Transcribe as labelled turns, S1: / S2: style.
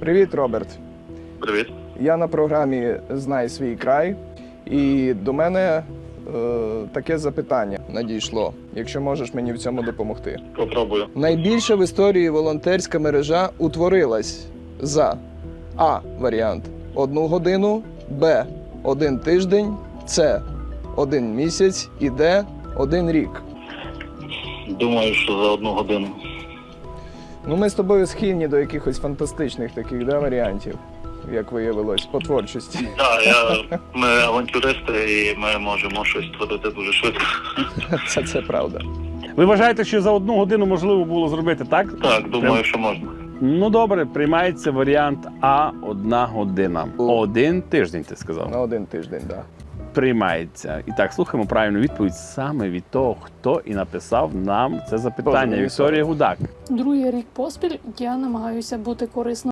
S1: Привіт, Роберт.
S2: Привіт.
S1: Я на програмі «Знай свій край» і до мене таке запитання надійшло, якщо можеш мені в цьому допомогти.
S2: Попробую.
S1: Найбільша в історії волонтерська мережа утворилась за А. Варіант 1 годину, Б. 1 тиждень, С. 1 місяць і Д. 1 рік.
S2: Думаю, що за 1 годину.
S1: Ну, ми з тобою схильні до якихось фантастичних таких варіантів, як виявилось, по творчості.
S2: Так, ми авантюристи і ми можемо щось творити дуже швидко.
S1: Це правда.
S3: Ви вважаєте, що за 1 годину можливо було зробити, так?
S2: Так, думаю, що можна.
S3: Ну добре, приймається варіант А – 1 година. 1 тиждень, ти сказав.
S1: На 1 тиждень, так. Да.
S3: Приймається. І так, слухаємо правильну відповідь саме від того, хто і написав нам це запитання.
S1: Боже,
S3: Вікторія Гудак.
S4: Другий рік поспіль я намагаюся бути корисною